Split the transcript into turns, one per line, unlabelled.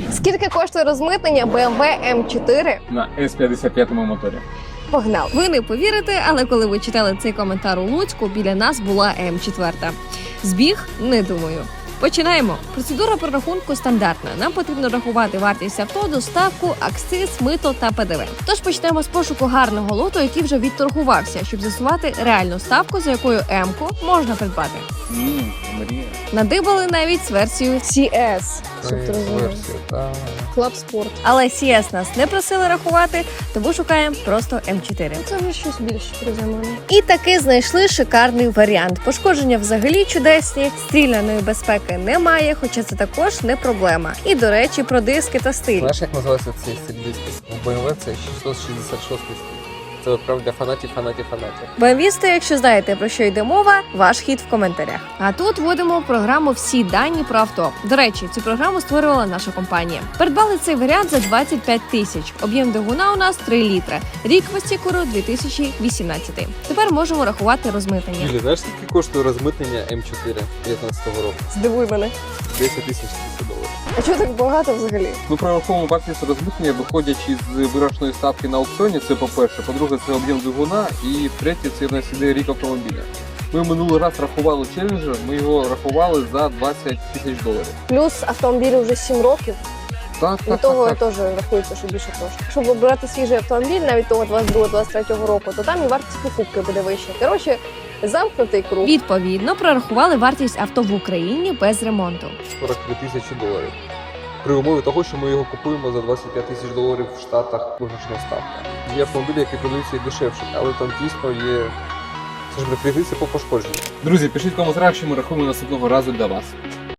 Скільки коштує розмитнення BMW M4?
На С-55 моторі.
Погнали!
Ви не повірите, але коли ви читали цей коментар у Луцьку, біля нас була М4. Збіг? Не думаю. Починаємо. Процедура прорахунку стандартна. Нам потрібно рахувати вартість авто, доставку, акциз, мито та ПДВ. Тож почнемо з пошуку гарного лоту, який вже відторгувався, щоб з'ясувати реальну ставку, за якою М-ку можна придбати.
Мрія.
Надибали навіть з версією
CS. Щоб ти розумів. Club Sport.
Але CS нас не просили рахувати, тому шукаємо просто М4.
Це вже щось більше приземлене.
І таки знайшли шикарний варіант. Пошкодження взагалі чудесні, стріляної безпеки немає, хоча це також не проблема. І, до речі, про диски та стиль.
Знаєш, як називається цей стиль диски? В BMW це 666 стиль. Це от прям для фанатів.
BMW-сти, якщо знаєте, про що йде мова, ваш хід в коментарях. А тут вводимо в програму всі дані про авто. До речі, цю програму створювала наша компанія. Придбали цей варіант за 25 тисяч. Об'єм двигуна у нас 3 літри. Рік висікуру 2018. Тепер можемо рахувати розмитнення.
Юлі, знаєш, скільки коштує розмитнення М4 19-го року?
Здивуй мене.
10 тисяч $300.
А чого так багато взагалі?
Ми прораховуємо вартість розмитнення, виходячи з виграшної ставки на аукціоні, це по-перше. По-друге, це об'єм двигуна. І третє, це в нас іде рік автомобіля. Ми минулий раз рахували Challenger, ми його рахували за $20 тисяч.
Плюс автомобілю вже 7 років.
Так,
Від того теж рахується, що більше коштує. Щоб обирати свіжий автомобіль, навіть того 22-23 року, то там і вартість покупки буде вища. Коротше, замкнутий круг.
Відповідно, прорахували вартість авто в Україні без ремонту.
$43 тисячі. При умові того, що ми його купуємо за $25 тисяч в Штатах виграшна ставка. Є автомобілі, які продаються і дешевше, але там дійсно є, це ж не прийдеться по пошкодженню.
Друзі, пишіть в коментарях, що ми рахуємо наступного разу для вас.